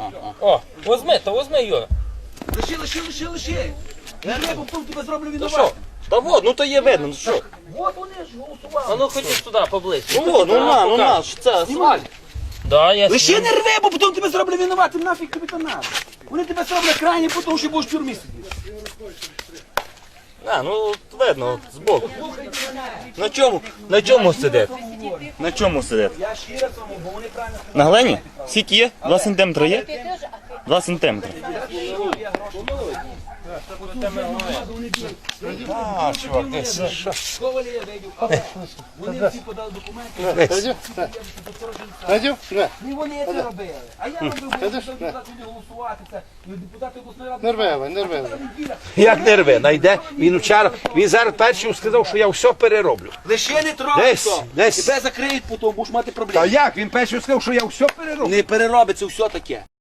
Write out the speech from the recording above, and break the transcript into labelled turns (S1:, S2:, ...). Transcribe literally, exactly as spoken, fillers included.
S1: О, возьми, то возьми, Юра.
S2: Лиши, лиши, лиши, лиши. Не треба, потім тебе зроблю
S3: Ну що?
S2: винувати.
S3: Та вот, ну то є видно, ну що?
S2: От вони ж голосували.
S1: А ну ходіть туди, поближче.
S3: Ну вот, ну на, ну на, що це асфальт.
S1: Да, я
S2: Лиши не рви, бо потім тебе зроблю винуватим, нафіг тобі то надо. Вони тебе зроблять крайні, тому що будеш в тюрмі сидіти.
S3: А, ну от видно, от, збоку. На чому? На чому сидить? На чому сидить?
S2: Я щиро тому, бо вони правильно
S3: На глині? Скільки є? Два сантиметри є? Два сантиметри.
S1: А, чувак, ти що?
S2: сховали, я вийду. Вони всі подали документи.
S4: Радів? Не.
S2: Не вони це робили. А я робив, бо депутати будуть голосувати. Це депутати обласної ради.
S4: Нервеве, нервеве.
S5: Як не рве, найде. Він вчора, він зараз перший сказав, що я все перероблю.
S2: Лише не трогай
S5: Десь,
S2: то.
S5: десь.
S2: Тебе закриють, потім будеш мати
S5: Та
S2: проблеми.
S5: як? Він перший сказав, що я все перероблю.
S2: Не переробиться все таке.